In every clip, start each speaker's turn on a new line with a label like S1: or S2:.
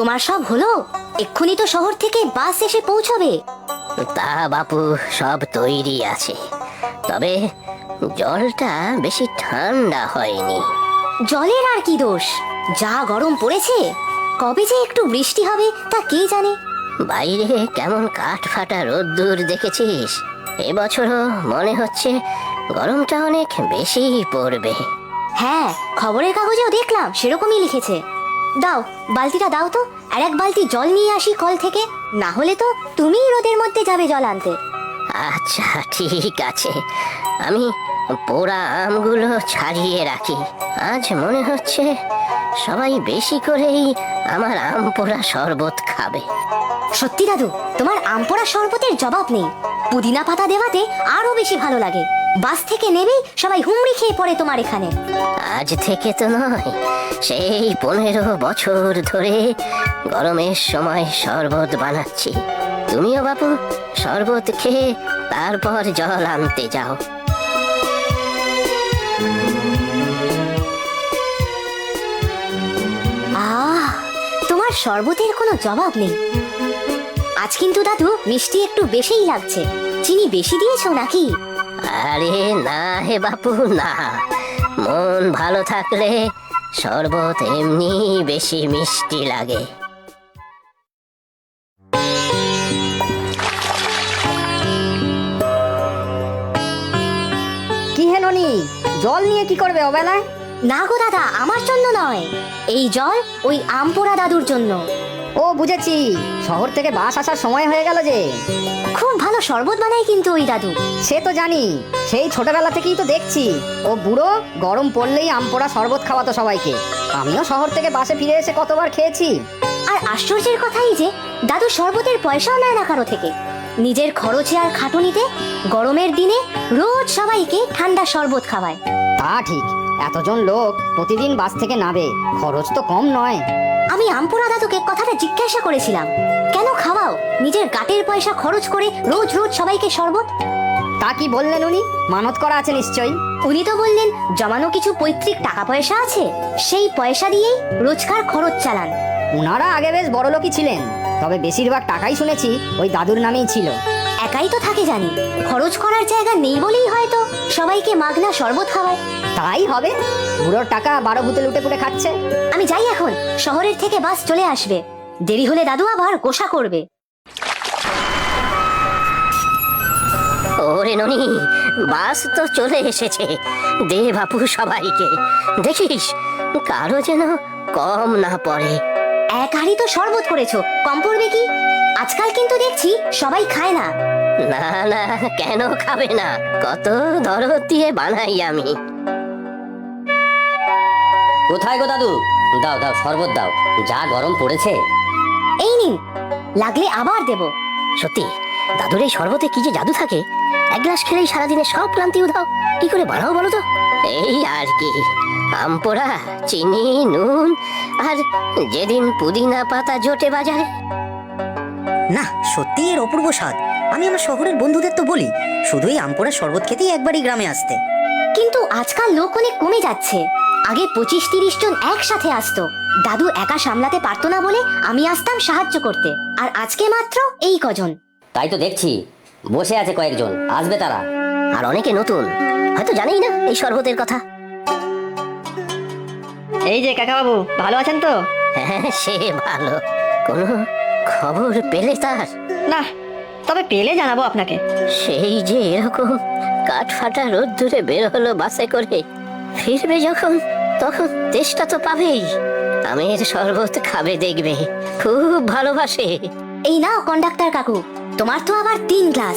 S1: তোমার সব হলো? এক্ষুনি তো শহর থেকে বাস এসে পৌঁছবে।
S2: তা বাপু, সব তৈরি আছে, তবে জলটা বেশি ঠান্ডা হয়নি।
S1: জলের আর কি দোষ, যা গরম পড়েছে। কবে যে একটু বৃষ্টি হবে তা কে জানে।
S2: বাইরে কেমন কাঠ ফাটা রোদ্দুর দেখেছিস? এবছরও মনে হচ্ছে গরমটা অনেক বেশি পড়বে।
S1: হ্যাঁ, খবরের কাগজেও দেখলাম সেরকমই লিখেছে। দাও, বালতিটা দাও তো, আর এক বালতি জল নিয়ে আসি কল থেকে। না হলে তো তুমিই রোদের মধ্যে যাবে জল আনতে।
S2: আচ্ছা ঠিক আছে, আমি পোড়া আমগুলো ছাড়িয়ে রাখি। আজ মনে হচ্ছে সবাই বেশি করেই আমার আম পোড়া শরবত খাবে।
S1: সত্যি দাদু, তোমার আম পোড়া শরবতের জবাব নেই। পুদিনা পাতা দেওয়াতে আরো বেশি ভালো লাগে। বাস থেকে নেমেই সবাই হুমড়ি খেয়ে পড়ে তোমার এখানে।
S2: আজ থেকে তো নয়, সেই 15 বছর ধরে গরমের সময় শরবত বানাচ্ছি। তুমিও বাপু শরবত খেয়ে তারপর জল আনতে যাও।
S1: আহ, তোমার শরবতের কোনো জবাব নেই। আজ কিন্তু দাদু মিষ্টি একটু বেশিই লাগছে। চিনি বেশি দিয়েছো নাকি?
S2: আরে না হে বাপু না, মন ভালো থাকলে শরবত এমনি বেশি মিষ্টি লাগে।
S3: কি হে ননি, জল নিয়ে কি করবে অবেলায়?
S1: না গো দাদা, আমার জন্য নয়। এই জল ওই আম পোড়া দাদুর জন্য।
S3: ও বুঝেছি, শহর থেকে বাস আসার সময় হয়ে গেল যে।
S1: খুব ভালো শরবত বানায় কিন্তু ওই দাদু।
S3: সে তো জানি, সেই ছোটবেলা থেকেই তো দেখছি ও বুড়ো গরম পড়লেই আম পোড়া শরবত খাওয়াতো সবাইকে। আমিও শহর থেকে বাসে ফিরে এসে কতবার খেয়েছি।
S1: আর আশ্চর্যের কথাই যে দাদু শরবতের পয়সাও নেয় না কারো থেকে। নিজের খরচে আর খাটুনিতে গরমের দিনে রোজ সবাইকে ঠান্ডা শরবত খাওয়ায়।
S3: তা ঠিক, এতজন লোক প্রতিদিন বাস থেকে নামে, খরচ তো কম নয়।
S1: আমি আমপুরা দাদুকে কথাটা জিজ্ঞাসা করেছিলাম, কেন খাওয়াও নিজের গাটের পয়সা খরচ করে রোজ রোজ সবাইকে শরবত?
S3: তা কি বললেন উনি? মানত করা আছে নিশ্চয়ই।
S1: উনি তো বললেন জমানো কিছু পৈতৃক টাকা পয়সা আছে, সেই পয়সা দিয়েই রোজকার খরচ চালান।
S3: উনারা আগে বেশ বড়লোকই ছিলেন, তবে বেশিরভাগ টাকাই শুনেছি ওই দাদুর নামেই ছিল।
S1: একাই তো থাকে জানি, খরচ করার জায়গা নেই বলেই হয়তো সবাইকে মাগনা শরবত খাওয়ায়।
S3: তাই হবে, বুড়োর টাকা 12 ভূতে লুটে পুটে খাচ্ছে।
S1: আমি যাই এখন, শহরের থেকে বাস চলে আসবে। দেরি হলে দাদু আবার গোসা করবে।
S2: ওরে ননি, বাস তো চলে এসেছে। দে বাপু সবাইকে, দেখিস কারো যেন কম না পড়ে।
S1: এক হাঁড়ি তো শরবত করেছো, কম পড়বে কি? আজকাল কিন্তু দেখছি সবাই খায় না।
S2: না না, কেন খাবে না? কত দরদ দিয়ে বানাই আমি।
S4: কোথায় গো দাদু? দাও দাও শরবত দাও, যা গরম পড়েছে।
S1: এই নিন, লাগলে আবার দেব।
S2: সত্যি দাদুর এই শরবতে কি যে জাদু থাকে, এক গ্লাস খেলেই সারাদিনে সব ক্লান্তি উধাও। কি করে বানাও বলো তো? এই আর কি, আম পোড়া, চিনি, নুন, আর যেদিন পুদিনা পাতা জোটে বাজারে।
S5: না, সত্যি এর অপূর্ব স্বাদ। আমি আমার শহরের বন্ধুদের তো বলি শুধুই আমপোড়া শরবত খেতেই একবারই গ্রামে আসতে।
S1: কিন্তু আজকাল লোক অনেক কমে যাচ্ছে। আগে 25-30 জন একসাথে আসতো। দাদু একা সামলাতে পারতো না বলে আমি আসতাম সাহায্য করতে, আর আজকে মাত্র এই কজন।
S4: তাই তো দেখছি, বসে আছে কয়েকজন, আসবে তারা।
S2: আর অনেকে নতুন, হয়তো জানেই না এই শরবতের কথা।
S3: এই যে কাকা বাবু, ভালো আছেন তো?
S2: হ্যাঁ, সে ভালো। কোনো খবর পেলে তার?
S3: না, তবে পেলে জানাবো আপনাকে।
S2: সেই যে এরকম কাঠ ফাটা রোদ্দুরে বের হলো বাসে করে, ফিরবে যখন তখন তেষ্টা তো পাবেই। আমের শরবত খাবে দেখবে, খুব ভালোবাসে।
S1: এই নাও কন্ডাক্টর কাকু, তোমার তো আবার 3 গ্লাস।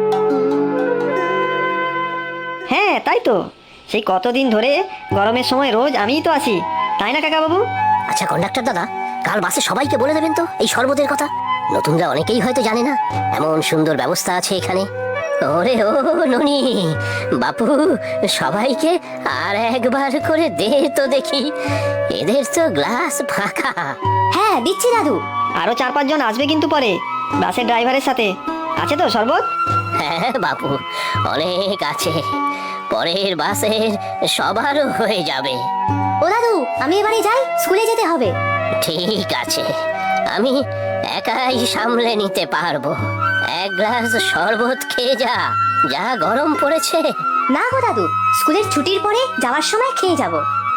S3: হ্যাঁ তাই তো, সেই কতদিন ধরে গরমের সময় রোজ আমিই তো আসি, তাই না কাকা বাবু?
S2: আচ্ছা কন্ডাক্টর দাদা, কাল বাসে সবাইকে বলে দেবেন তো এই শরবতের কথা। নতুনরা অনেকেই হয়তো জানে না এমন সুন্দর ব্যবস্থা আছে এখানে। ওরে ও ননি, বাপু সবাইকে আর একবার করে দে তো দেখি, এদের তো গ্লাস ফাঁকা।
S1: হ্যাঁ দিচ্ছি দাদু।
S3: আরো 4-5 জন আসবে কিন্তু পরে, বাসের ড্রাইভারের সাথে। আছে তো শরবত?
S2: হ্যাঁ বাপু, অনেক আছে, পরের বাসের সবারও হয়ে যাবে।
S1: ও দাদু, আমি এবারে যাই, স্কুলে যেতে হবে।
S2: ঠিক আছে, আমি একাই সামলে নিতে পারবো। এক গ্লাস শরবত খেয়ে যা, যা গরম পড়েছে।
S1: না গো দাদু, স্কুলের ছুটির পরে যাওয়ার সময় খেয়ে যাব।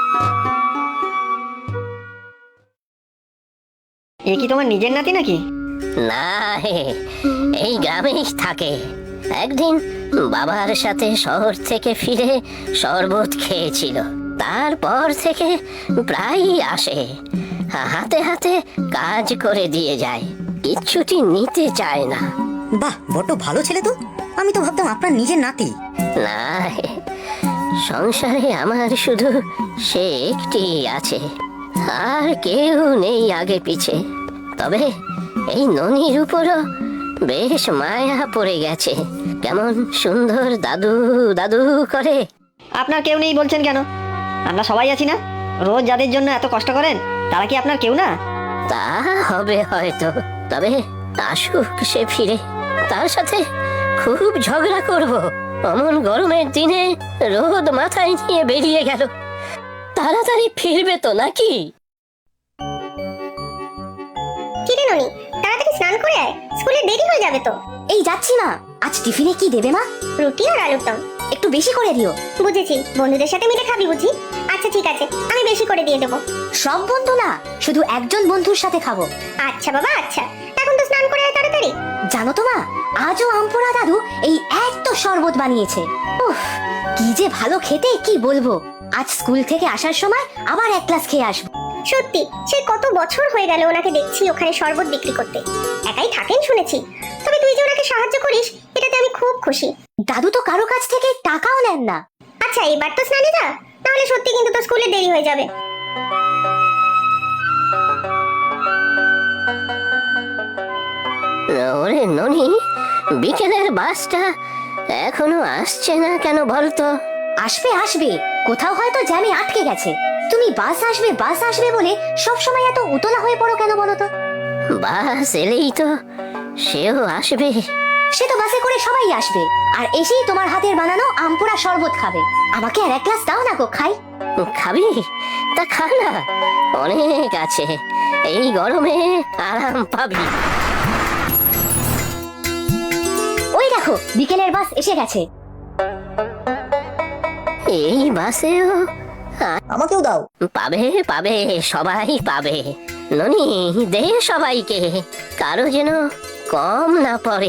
S3: এ কি তোমার নিজের নাতি নাকি?
S2: না হে, এই গ্রামেই থাকে। একদিন বাবার সাথে শহর থেকে ফিরে শরবত খেয়েছিল, তারপর থেকে প্রায়ই আসে। হাতে হাতে কাজ করে দিয়ে যায়, কিচ্ছুটি নিতে চায় না।
S5: বাহ, বড্ড ভালো ছেলে তো। আমি তো ভাবতাম আপনার নিজের নাতি।
S2: না হে, সংসারে আমার শুধু সে একটি আছে, আর কেউ নেই আগে পিছে। তবে এই ননির উপরও বেশ মায়া পড়ে গেছে। কেমন সুন্দর দাদু দাদু করে।
S3: আপনার কেউ নেই বলছেন কেন? আমরা সবাই আছি না। রোজ যাদের জন্য এত কষ্ট করেন তারা কি আপনার কেউ না?
S2: তা হবে হয়তো, তবে আসুক সে ফিরে। তার সাথে খুব ঝগড়া করব। অমন গরমের দিনে রোদ মাথায় নিয়ে বেরিয়ে গেল। তাড়াতাড়ি ফিরবে তো নাকি?
S1: কিরে ননি, তাড়াতাড়ি স্নান করে আয়, স্কুলে দেরি হয়ে যাবে তো। এই যাচ্ছি মা। আজ টিফিনে কি দেবে মা? রুটি আর আলুর দম। একটু বেশি করে দিও। বুঝেছি, বন্ধুদের সাথে মিলে খাবি বুঝি? আচ্ছা ঠিক আছে, আমি বেশি করে দিয়ে দেবো। সব বন্ধু না, শুধু একজন বন্ধুর সাথে খাবো। আচ্ছা বাবা আচ্ছা, এখন তো স্নান করে আয় তাড়াতাড়ি। জানো তো মা, আজও আমপোড়া দাদু এই এত শরবত বানিয়েছে। উফ, কি যে ভালো খেতে কি বলবো। আজ স্কুল থেকে আসার সময় আবার এক গ্লাস খেয়ে আসবো।
S6: সত্যি সে কত বছর হয়ে গেল ওনাকে দেখছি ওখানে শরবত বিক্রি করতে। একাই থাকেন শুনেছি, তবে তুই যে ওনাকে সাহায্য করিস এটাতে আমি খুব খুশি।
S1: দাদু তো কারো কাছ থেকে টাকাও নেন না।
S6: আচ্ছা এবার তো স্নানে যা, নাহলে সত্যি কিন্তু তোর স্কুলে দেরি হয়ে যাবে।
S2: ওরে ননি, বিকেলের বাসটা এখনো আসছে না কেন বলতো?
S1: আসবে আসবে, কোথাও হয়তো জ্যামে আটকে গেছে। তুমি বাস আসবে বলে সব সময় এত উতলা হয়ে পড়ো কেন বলো তো?
S2: বাস এলেই তো সেও আসবে।
S1: সে তো বাসে করে সবাই আসবে, আর এসেই তোমার হাতের বানানো আমপোড়া শরবত খাবে। আমাকে আর এক গ্লাস দাও না গো, খাই।
S2: খাবি? তা খা না, অনেক আছে। এই গরমে আরাম পাবি।
S1: ওই দেখো, বিকেলের বাস এসে গেছে।
S2: এই বাসেও
S5: আমাকেও দাও।
S2: পাবে পাবে, সবাই পাবে। ননি, দে সবাইকে, কারো যেন কম না পড়ে।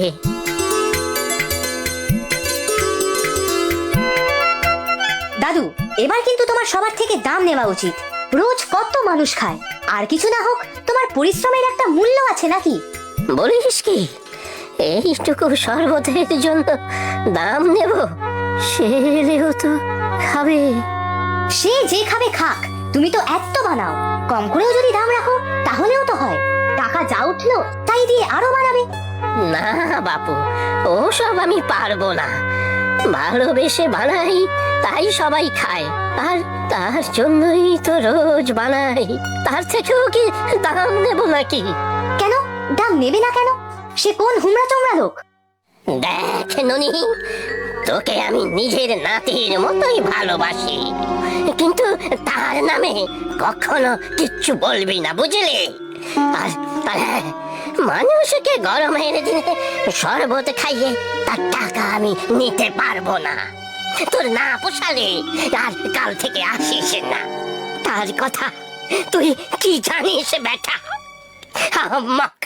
S1: দাদু, এবার কিন্তু তোমার সবার থেকে দাম নেওয়া উচিত। রোজ কত মানুষ খায়, আর কিছু না হোক তোমার পরিশ্রমের একটা মূল্য আছে নাকি?
S2: বলিস কি, এইটুকু শরবতের জন্য দাম নেব? সেও তো খাবে।
S1: সে যে খাবে খাক, তুমি তো এত বানাও। কম করেও যদি দাম রাখো তাহলেও তো হয়। টাকা যা উঠলো তাই দিয়ে আরো বানাবে।
S2: না বাপু, ওসব আমি পারবো না। ভালোবেসে বানাই, তাই সবাই খায়, আর তার জন্যই তো রোজ বানাই। তার থেকেও কি দাম নেব নাকি?
S1: কেন দাম নেবে না কেন? সে কোন হুমড়া চমড়া লোক?
S2: দেখ ননি, তোকে আমি নিজের নাতির মতোই ভালোবাসি, কিন্তু তার নামে কখনো কিচ্ছু বলবি না, বুঝলি? আর হ্যাঁ, মানুষকে গরমের দিনে শরবত খাইয়ে তার টাকা আমি নিতে পারবো না। তোর না পোষালে আর কাল থেকে আসিস না। তার কথা তুই কি জানিস বেটা? আমাক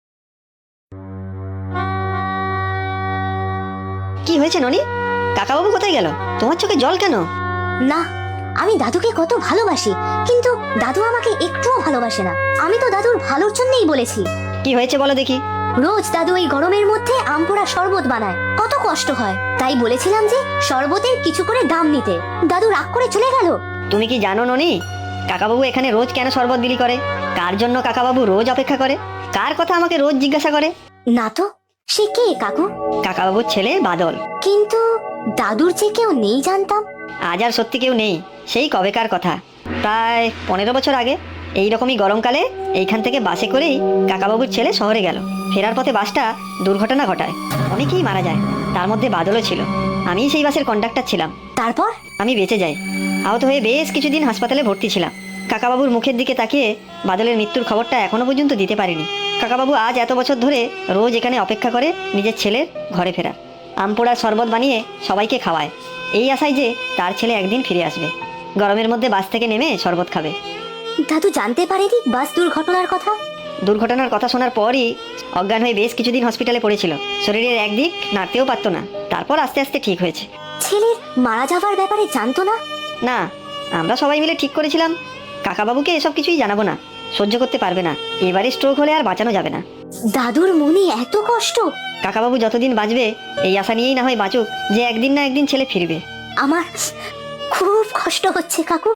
S3: কি হয়েছে ননি? কাকাবাবু কোথায় গেল? তোমার চোখে জল কেন?
S1: না, আমি দাদুকে কত ভালোবাসি, কিন্তু দাদু আমাকে একটুও ভালোবাসে না। আমি তো দাদুর ভালোর জন্যই বলেছি।
S3: কি হয়েছে বলো দেখি।
S1: রোজ দাদু এই গরমের মধ্যে আমপোড়া শরবত বানায়, কত কষ্ট হয়। তাই বলেছিলাম যে শরবতের কিছু করে দাম নিতে। দাদু রাগ করে চলে গেল।
S3: তুমি কি জানো ননি, কাকাবাবু এখানে রোজ কেন শরবত বিলি করে? কার জন্য কাকাবাবু রোজ অপেক্ষা করে? কার কথা আমাকে রোজ জিজ্ঞাসা করে?
S1: না তো, সে কে কাকু?
S3: কাকাবাবুর ছেলে বাদল।
S1: কিন্তু দাদুর যে কেউ নেই জানতাম।
S3: আজ আর সত্যি কেউ নেই, সেই কবেকার কথা। প্রায় 15 বছর আগে এইরকমই গরমকালে এইখান থেকে বাসে করেই কাকাবাবুর ছেলে শহরে গেল। ফেরার পথে বাসটা দুর্ঘটনা ঘটায়, অনেকেই মারা যায়, তার মধ্যে বাদলও ছিল। আমি সেই বাসের কন্ডাক্টর ছিলাম।
S1: তারপর?
S3: আমি বেঁচে যাই। আহত হয়ে বেশ কিছুদিন হাসপাতালে ভর্তি ছিলাম। কাকাবাবুর মুখের দিকে তাকিয়ে বাদলের মৃত্যুর খবরটা এখনো পর্যন্ত দিতে পারেনি। কাকাবাবু আজ এত বছর ধরে রোজ এখানে অপেক্ষা করে নিজের ছেলের ঘরে ফেরা। আমপোড়ার শরবত বানিয়ে সবাইকে খাওয়ায়, এই আশায় যে তার ছেলে একদিন ফিরে আসবে, গরমের মধ্যে বাস থেকে নেমে শরবত খাবে।
S1: দাদু জানতে পারেনি বাস দুর্ঘটনার কথা?
S3: দুর্ঘটনার কথা শোনার পরই অজ্ঞান হয়ে বেশ কিছুদিন হসপিটালে পড়েছিল। শরীরের একদিক নাড়তেও পারতো না, তারপর আস্তে আস্তে ঠিক হয়েছে।
S1: ছেলের মারা যাওয়ার ব্যাপারে জানতো না?
S3: না, আমরা সবাই মিলে ঠিক করেছিলাম কাকাবাবুকে এসব কিছুই জানাবো না, সহ্য করতে পারবে না, এবারে স্ট্রোক হলে আর বাঁচানো যাবে না।
S1: দাদুর মনে এত কষ্ট।
S3: কাকাবাবু যতদিন বাঁচবে এই আশা নিয়েই না হয় বাঁচুক যে একদিন না একদিন ছেলে ফিরবে।
S1: আমার খুব কষ্ট হচ্ছে কাকু।